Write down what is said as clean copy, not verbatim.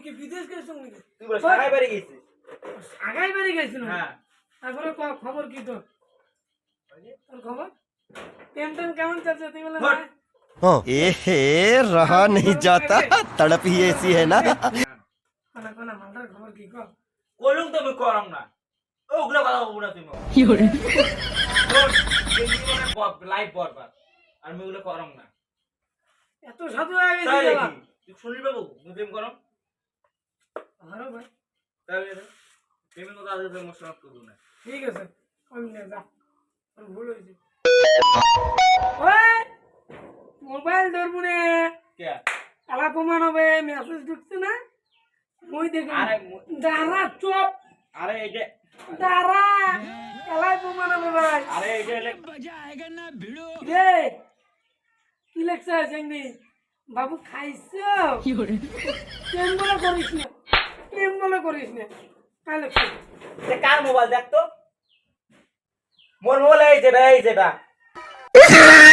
কি বিদেশ গেছিস নাকি? তুই বলে সাগাই বাড়ি গেছিস? আগাই বাড়ি গেছিল। হ্যাঁ। তারপরে খবর কি তোর? তোর খবর? টেনশন কেমন চলছে তুই বলে? হট। एहे रहा नहीं जाता तड़प ही ऐसी है ना কোনা কোনা মালটার খবর কি কর? কলুম তো আমি করম না। ওগুলা কথা বলবো না তুমি। কি করে লাইভ বরবার। আর আমি ওগুলো করম না। এত সাধু হয়ে গেছিস তাই বাবা। নাকি? তুই শুনলি বাবু, তুমি প্রেম করম? আরে ভাই তাহলে প্রেমের কথা আজকে প্রেম সমাপ্ত করবো না। ঠিক আছে আমি নিয়ে যা তোর ভুল হয়েছে ওই মোবাইল ধরবো রে কে? আলা প্রমাণ হবে মেসেজ ঢুকছে না মই দেখি আরে দাঁড়া চুপ আরে এই যে দাঁড়া এলাই প্রমাণ হবে ভাই আরে এই যে রে কি লেখছে সেঙ্গি বাবু খাইছো কি করে প্রেম বলে করিস না প্রেম বলে করিস না কাই লেখছে এটা কার মোবাইল দেখ তো? মোর মোবাইল এই যেটা